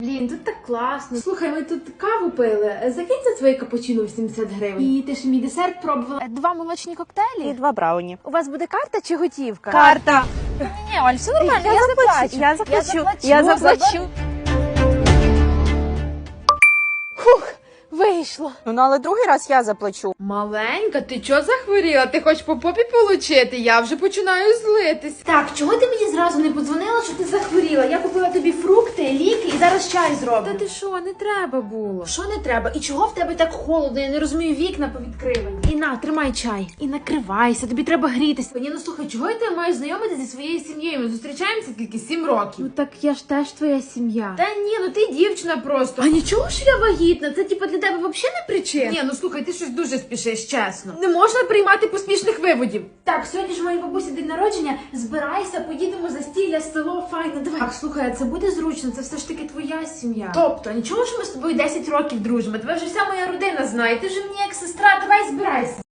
Блін, тут так класно. Слухай, ми тут каву пили. Закинь за твоє капучино 80 гривень. І ти ж мій десерт пробувала. 2 молочні коктейлі. І 2 брауні. У вас буде карта чи готівка? Карта. Ні, Оль, все нормально, я заплачу. Я заплачу. Фух, вийшло. Ну, але другий раз я заплачу. Маленька, ти чого захворіла? Ти хочеш по попі получити? Я вже починаю злитись. Так, чого ти мені зразу не подзвонила, що ти захворіла? Я купила тобі фрукти, ліки і зараз чай зроблю. Та ти що, не треба було. Що не треба? І чого в тебе так холодно? Я не розумію, вікна повідкривані. І на, тримай чай. І накривайся, тобі треба грітися. Ні, ну слухай, чого я тебе маю знайомити зі своєю сім'єю? Ми зустрічаємося тільки 7 років. Ну так я ж теж твоя сім'я. Та ні, ну ти дівчина просто. А нічого, що я вагітна? Це типа для тебе взагалі не причина? Ні, ну слухай, ти щось дуже спішиш, чесно. Не можна приймати поспішних виводів. Так, сьогодні ж моїй бабусі день народження. Збирайся, поїдемо за стілля, село, файно, давай. Так, слухай, а це буде зручно, це все ж таки твоя сім'я. Тобто, нічого, що ми з тобою 10 років дружимо. Тебе вже вся моя родина знає, ти вже мені як сестра, давай збирайся.